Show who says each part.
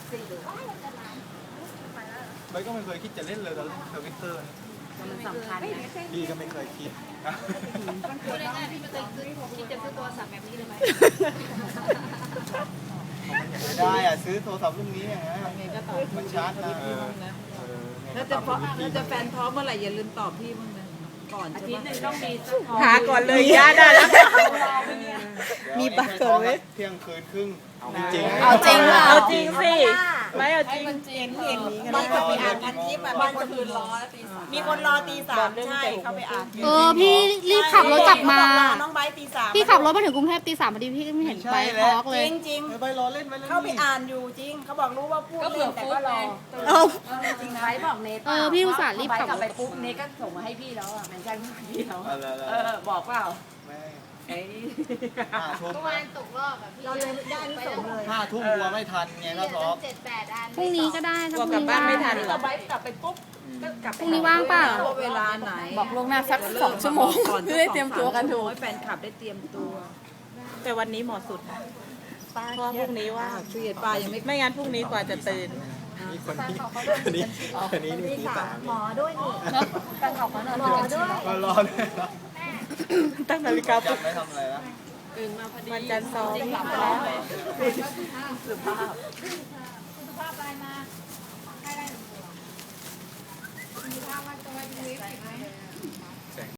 Speaker 1: ไม่ก็ไม่เคยคิดจะเล่นเลยตอนทวิตเตอร์
Speaker 2: มันสำคัญนะ
Speaker 1: พี่ก็ไม่เคยคิดนะ
Speaker 2: พูดง่ายๆพี่ไม่เคยคิดจะซื้อโทรศัพท์แบบนี้เลยไหม
Speaker 1: ไม่ได้อะซื้อโทรศัพท์รุ่นนี้อย่างเงี้ยมันชาร์จนะ
Speaker 3: แล้วจะแฟนท้องเมื่อไหร่อย่าลืมตอบพี่มึงนะก่อน
Speaker 2: อา
Speaker 3: ใช่
Speaker 2: ทิต
Speaker 3: ปะ
Speaker 2: ย์หนึ่งต้องมี
Speaker 3: หาก่อนเลยย่าได้แล้วมีบัตรเกิดไว้
Speaker 1: เที่ยงคืนครึ่งจริง
Speaker 3: เอาจริงเหรอ
Speaker 4: เอาจริงสิไม่เอาจริง
Speaker 3: มันก็ไปอ่านพันทิปอ่ะมีคนคืนรอมีคนรอตีสามใช่เขาไปอ่าน
Speaker 5: พี่รีบขับรถกลับมา
Speaker 3: น้องไบร์ทตีสาม
Speaker 5: พี่ขับรถมาถึงกรุงเทพตี 3พอดีพี่ไม่เห็นไปทอล์กเลย
Speaker 3: จริง
Speaker 1: ไปรอเล่นไปเล่น
Speaker 3: เขาไปอ่านอยู่จริงเขาบอกรู้ว่าพูดเล่นแต่ก็รอ
Speaker 5: เอา
Speaker 2: จริงไว้บอกเนท
Speaker 5: พี่อุตส่าห์รีบขับ
Speaker 2: กลับไปปุ๊บเนทก็ส่งมาให้พี่แล้วอ่ะแมนชั่นพี่แล้วบอกเปล่า
Speaker 1: ไม่ 5 ทุ่ม
Speaker 6: ตกรอบแบบพี่เราเลยได้ไม่ส่งเลย
Speaker 1: 5 ทุ่มกลัวไม่ทันไงก็ท้อ
Speaker 6: 7-8 อัน
Speaker 5: พรุ่งนี้ก็ได้ถ้าพรุ่ง
Speaker 3: กลับ
Speaker 5: นี้
Speaker 3: บ้านไม่ทัน
Speaker 2: เราไว้กลับไปปุ๊บก็กลับ
Speaker 5: พรุ่งนี้ว่างเปล่า
Speaker 3: ว่าเวลาไหน
Speaker 4: บอกล่วงหน้าสัก2 ชั่วโมงเพื่อได้เตรียมตัวกันถูก
Speaker 3: ให้แฟนคลับได้เตรียมตัว
Speaker 4: แต่วันนี้เหมาะสุดเพราะพรุ่งนี้ว่า
Speaker 3: เครียดป้ายังไม่
Speaker 4: งั้นพรุ่งนี้กว่าจะตื่น
Speaker 1: นี่คนนี้นี่ตีสาม
Speaker 6: หมอด้วยนี่
Speaker 2: การขอบคุณ
Speaker 6: หมอด้วย
Speaker 1: รอเลยนะ
Speaker 4: ตั้งนาฬิกาปลุ
Speaker 1: จั
Speaker 4: ก
Speaker 1: บไม่ทำอะไรนะ
Speaker 4: วันจันทร์ซ้อม
Speaker 2: กลับแล้วสุภาพ
Speaker 6: สุภาพอะไรมาให้ได้สุภาพว่าจะไว้ดูวิวไหม